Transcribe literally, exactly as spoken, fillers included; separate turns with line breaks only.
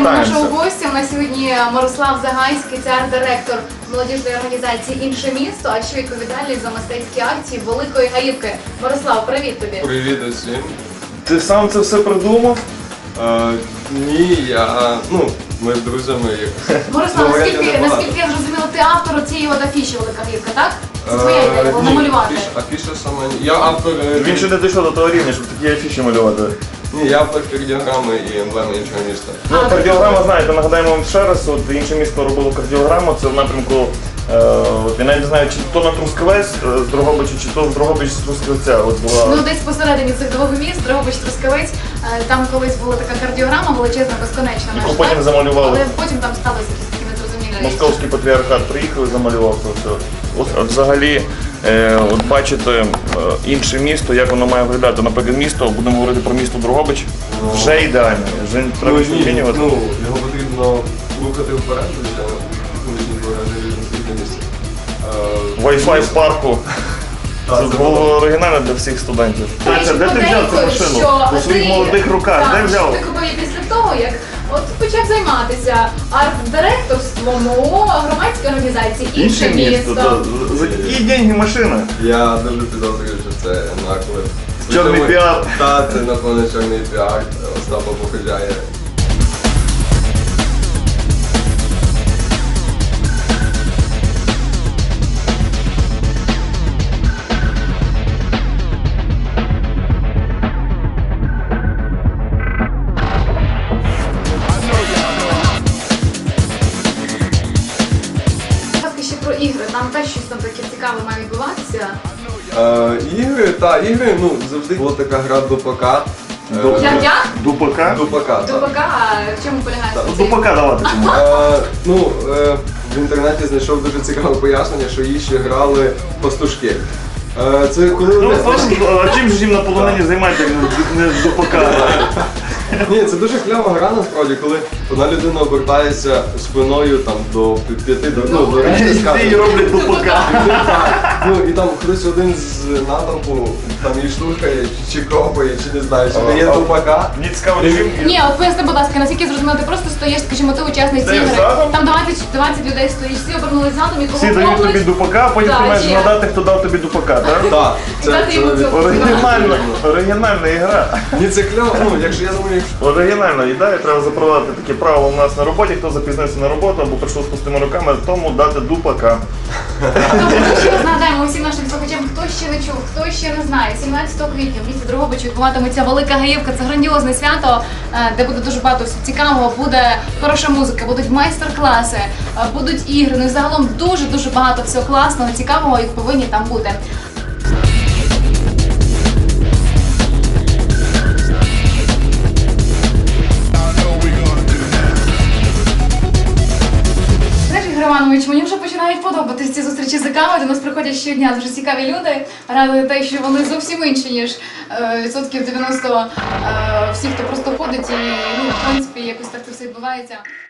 Вітаємо нашого гостя. У нас сьогодні Мирослав Загайський, це арт-директор молодіжної організації «Інше місто», а ще відповідальний за мистецькі акції Великої Гаївки. Мирослав, привіт тобі.
Привіт усім.
Ти сам це все придумав?
Е, ні, я, ну, ми з друзями.
Мирослав, наскільки, наскільки я зрозуміла, ти автор цієї от афіші Велика Гаївка, так? Це твоя ідея була намалювати.
Афіша, афіша сама, я автор...
Він ще не дійшов до того рівня, щоб такі афіші малювати.
Ні, я автор кардіограми і емблеми іншого міста.
Ну, кардіограма, знаєте, нагадаємо вам ще раз, от інше місто робило кардіограму, це в напрямку, е, от, я навіть не знаю, чи то на Трускавець з Дрогобича, чи то з Дрогобич з Трускавця. От була...
Ну, десь посередині цих двох міст, Дрогобич, Трускавець, е, там колись була така кардіограма величезна, безконечна.
Яку потім замалювали.
Але потім там сталося якісь такі незрозумілі речі.
Московський патріархат приїхав і замалював це все. От, от взагалі, е, от бачите, е, інше місто, як воно має виглядати. Наприклад, місто, будемо говорити про місто Дрогобич, вже ідеально, вже треба
Ну,
щось
ні,
змінювати.
ну, його потрібно рухати вперед, звичайно, вуличні двори на світлі місці.
Wi-Fi в парку. Це було оригінально для всіх студентів. Тася, де ти взяв цю машину? У своїх молодих руках, де взяв?
Ти купив її після того, як от почав займатися арт-директорством у громадській організації «Інше місто».
та, за які деньги машина?
Я дуже підозрюю, що це наклеп.
Чорний піар.
Так, це напевно чорний піар, Остапа Похиляє.
Ще про ігри, там теж щось там таке цікаве має відбуватися.
Е, ігри, та, ігри, ну, завжди була така гра Дупака.
Ду-
Як-як?
Дупака?
Дупака, так.
Дупака, в чому полягає
Так,
цей?
Дупака давати кому.
Е, ну, е, в інтернеті знайшов дуже цікаве пояснення, що її ще грали пастушки. Е, це коли...
Ну, а чим ж їм на полонині займається, як не- не з Дупака?
Ні, це дуже клява гра насправді, коли одна людина обертається спиною там до п'яти до ну, до решти
Всі
скати.
роблять Дупака.
Ну і там хтось один з натовпу там її штурхає, чи копає, чи не знаю, чи дає Дупака.
Мені цікаво, чим...
Ні, от поясни, будь ласка, наскільки зрозуміло, ти просто стоїш, скажімо, ти учасник
Ти
цієї гри.
задом?
Там двадцять, двадцять людей стоїть, всі обернулись задом і кого
Всі дають тобі
поплють.
Дупака, а потім
Так,
ти маєш
є.
згадати, хто дав тобі Дупака, так?
Так,
І дати йому цю.
Оригінальна, оригінальна ігра.
Ні, це кляво, ну якщо я думаю, якщо...
Оригінальна ідея, треба запровадити таке правило у нас на роботі, хто запізнився на роботу або прийшов з пустими руками, тому дати Дупака.
Тобто ми ще раз нагадаємо усім нашим слухачам, хто ще не чув, хто ще не знає. сімнадцятого квітня в місті Дрогобичі відбуватиметься Велика Гаївка. Це грандіозне свято, е, де буде дуже багато всього цікавого. Буде хороша музика, будуть майстер-класи, е, будуть ігри. Ну і загалом дуже-дуже багато всього класного, цікавого і повинні там бути. Знаєш, Ігор Іванович, мені вже починають подобатись ці зустрічі з кавою. До нас приходять щодня дуже цікаві люди. Радує те, що вони зовсім інші, ніж е, відсотків дев'яносто е, всіх, хто просто ходить і, ну, в принципі, якось так це все відбувається.